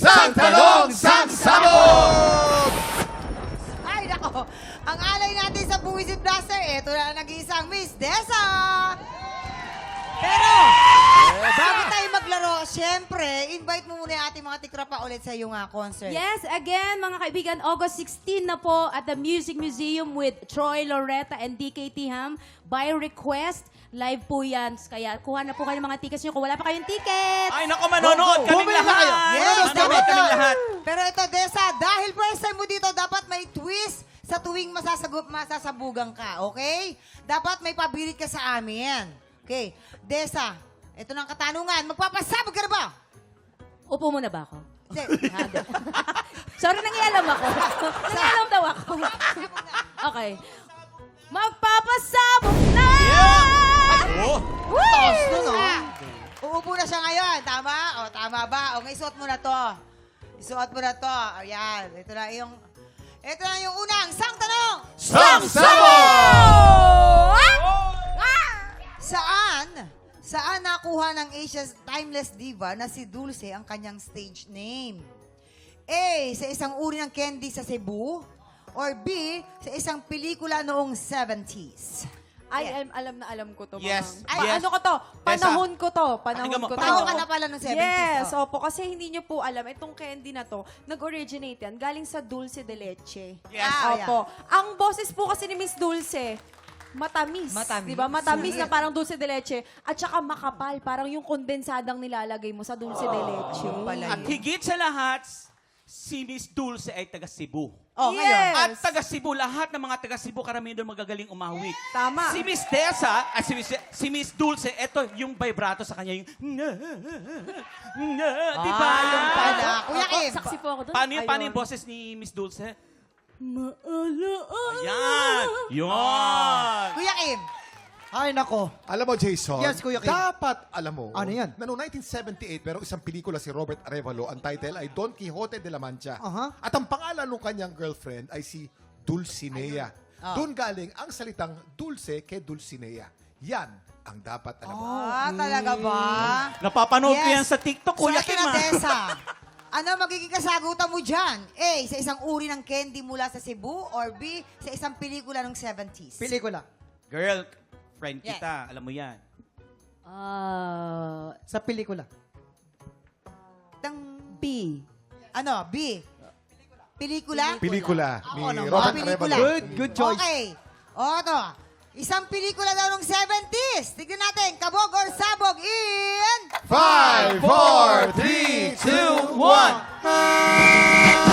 Sang Tanong, Sang Sabog! Ay, nako. Ang alay natin sa Buwisit Blaster, ito na nag-iisang Miss Desa. Pero, bago tayo maglaro, syempre, invite mo muna yung ating mga tikrapa ulit sa iyong concert. Yes, again, mga kaibigan, August 16 na po at the Music Museum with Troy Loretta and DKT Ham. By request, live po yan. Kaya kuha na po kayo ng mga tickets nyo kung wala pa kayong ticket. Ay, naku, manonood kaming Bumili na lahat. kayo. Yes, Manonood dapat kaming yun. lahat. Pero ito, Desa, dahil first time mo dito, dapat may twist sa tuwing masasabugan ka, okay? Dapat may pabilit ka sa amin. Okay, Desa, ito na ang katanungan. Magpapasabog ka na ba? Upo muna ba ako? Hindi. Sorry, nangialam ako. Nangialam daw ako. Okay. Magpapasabog na! Oh, Taas nun, Uupo na siya ngayon. Tama? O, tama ba? O, isuot mo na to. Isuot mo na to. Ayan. Ito na yung unang sang tanong. Sang Sabog! Saan nakuha ng Asia's timeless diva na si Dulce ang kanyang stage name? A, sa isang uri ng candy sa Cebu? Or B, sa isang pelikula noong 70s? Ay, alam ko to, Yes. Mamang. Yes. Ano ko to? Panahon ko to. Panahon Pakinggan mo, ko to. Tao ka na pala noong 70s. Yes, oh. opo. Kasi hindi nyo po alam, itong candy na to, nag-originate yan. Galing sa Dulce de Leche. Yes. Opo. Ang boses po kasi ni Miss Dulce, matamis. Matamis. Diba? Matamis Sweet. na parang dulce de leche. At saka makapal. Parang yung kondensadang nilalagay mo sa dulce de leche. pala At higit sa lahat, si Miss Dulce ay taga Cebu. Oh, ngayon. Yes. At taga Cebu, lahat ng mga taga Cebu, karamihan doon magagaling umawit. Tama. Si Miss Desa, at si Miss Dulce, eto yung vibrato sa kanya, yung di ba? Yung pala. Kuya Kim. Saksi po ako doon. Paano yung Ayun. boses ni Miss Dulce? Maalaala. Ayan! Yun! Kuya Kim. Ay, nako. Alam mo, Jason, Yes, Kuya Kim. dapat alam mo Ano yan? na noong 1978, merong isang pelikula si Robert Arevalo, ang title ay Don Quixote de la Mancha. Aha. At ang pangalan ng kanyang girlfriend ay si Dulcinea. Doon galing ang salitang dulce ke Dulcinea. Yan ang dapat alam mo. Talaga ba? Napapanood ko Yes. yan sa TikTok, Kuya So, Kim. ito na, ah. Desa. Ano magiging kasagutan mo dyan? A, sa isang uri ng candy mula sa Cebu? Or B, sa isang pelikula ng 70s? Pelikula. Girl, friend Yes. kita, alam mo yan. Sa pelikula. B. Ano? B. Pelikula? Pelikula ni Ako naman. Robert Pelikula. Arevalo. Good choice. Okay. O, ito. Isang pelikula daw ng 70s. Tignan natin. Kabog or sabog in... 5, 4, 3, 2, 1.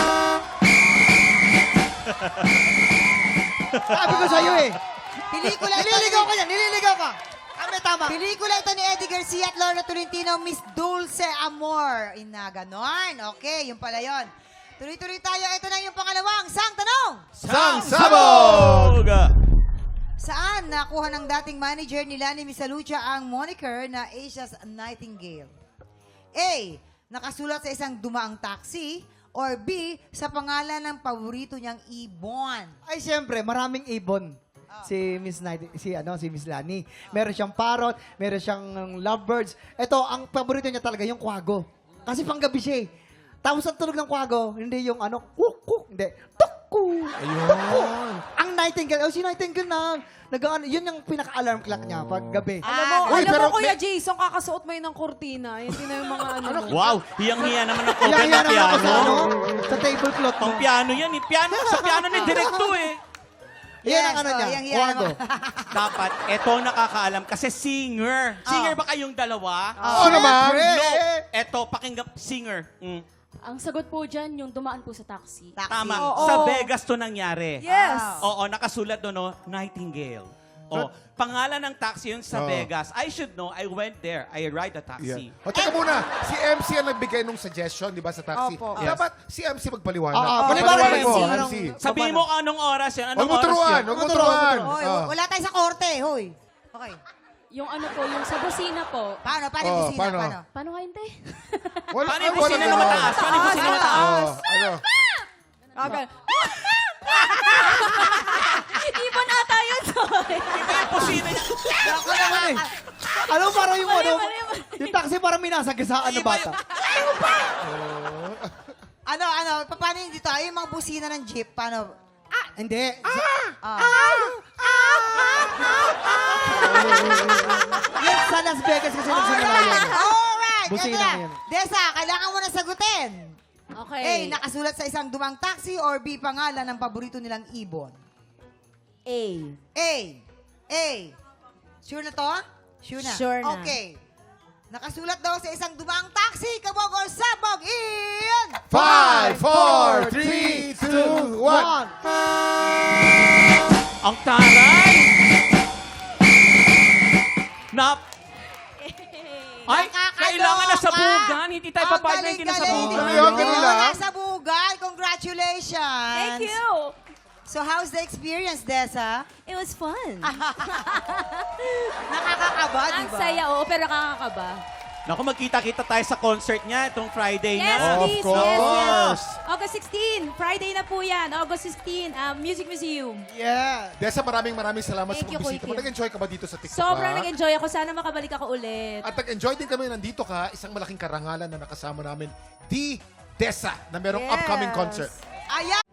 Sabi ko sa'yo eh. Pelikula ito. Nililigaw ka yan. Nililigaw ka. Tama. Pelikula ito ni Eddie Garcia at Lorna Tolentino, Miss Dulce Amor. Ganon. Okay, yun pala yun. Tuloy-tuloy tayo. Ito na yung pangalawang sang tanong. Sang Sabog! Saan nakuha ng dating manager ni Lani Misalucha ang moniker na Asia's Nightingale? A. Nakasulat sa isang dumaang taxi. Or B. Sa pangalan ng paborito niyang ibon. Ay, siyempre, maraming ibon. Si Miss Lani. Meron siyang parrot, meron siyang lovebirds. Ito, ang paborito niya talaga, yung kwago. Kasi panggabi siya eh. Tapos ang tunog ng kwago, hindi yung kuk, hindi, tukku. Ayun. Ang nightingale, si nightingale yun yung pinaka-alarm clock niya pag gabi. Uy, pero Kuya may- Jason, kakasuot mo yun ng kurtina. Hindi na yung mga mo. Wow, hiyang-hiya naman ang cover Kaya ng naman ako piano. sa tablecloth mo. Pang piano yan. Sa piano ni Directo eh. Yan ang Yes, niya, yang-hiya kwago. naman. Dapat, eto nakakaalam kasi singer. Singer ba kayong dalawa? Oo naman. No. Eto, pakinggan, singer. Ang sagot po dyan, yung dumaan po sa taxi. Taxi. Tama. Oo. Sa Vegas to nangyari. Yes. Oo, nakasulat doon, no? Nightingale. Oh, pangalan ng taxi yun sa Oo. Vegas. I should know. I went there. I ride a taxi. O, teka muna. Si MC ang nagbigay nung suggestion, di ba, sa taxi? Opo. Dapat si MC magpaliwanag. Paliwanag mo, mo. MC. Sabihin mo anong oras yun. Anong Huwag mo oras turuan. yun? Huwag mo turuan. Hoy, Oh. wala tayo sa korte, hoy. Okay. Yung ano po, yung sa busina po. Paano Oh, busina? paano? Paano? Paano nga yun, te? Paano yung busina na mataas? Paano yung busina na mataas? Ano? Okay. Ibon ata yun, sorry. Iba yung busina niya. Ako naman eh. Ano parang yung Mali. yung taxi parang minasagasaan na Iba bata. Paano yun dito? Ay, yung mga busina ng jeep, paano? Hindi. Yan sa Las Vegas kasi nagsimula yun. Alright! Busina Ito na. yan. Desa, kailangan mo na sagutin. Okay. A, nakasulat sa isang dumang taxi or B, pangalan ng paborito nilang ibon? A. A. Sure na to? Sure na. Sure na. Okay. Nakasulat daw sa isang dumang taxi, kabog or sabog in... 5, 4, 3, 2, 1. Ang taray! Ay, Nakakaloka! kailangan na sabugan. Hindi tayo papayag na hindi na sabugan. Galing, galing. Nasabugan. Congratulations. Thank you. So, how's the experience, Desa? It was fun. Nakakakaba, di Ang ba? saya, oo, pero nakakaba. Naku, magkita-kita tayo sa concert niya itong Friday Yes, na. please. Of course. Yes. August 16. Friday na po yan. August 16. Music Museum. Yeah. Desa, maraming salamat Thank sa you, pagbisita mo. Kuya Kim. Nag-enjoy ka ba dito sa TikTok? Sobrang ha? nag-enjoy ako. Sana makabalik ako ulit. At nag-enjoy din kami nandito ka. Isang malaking karangalan na nakasama namin, The Desa, na merong Yes. upcoming concert. Ayan.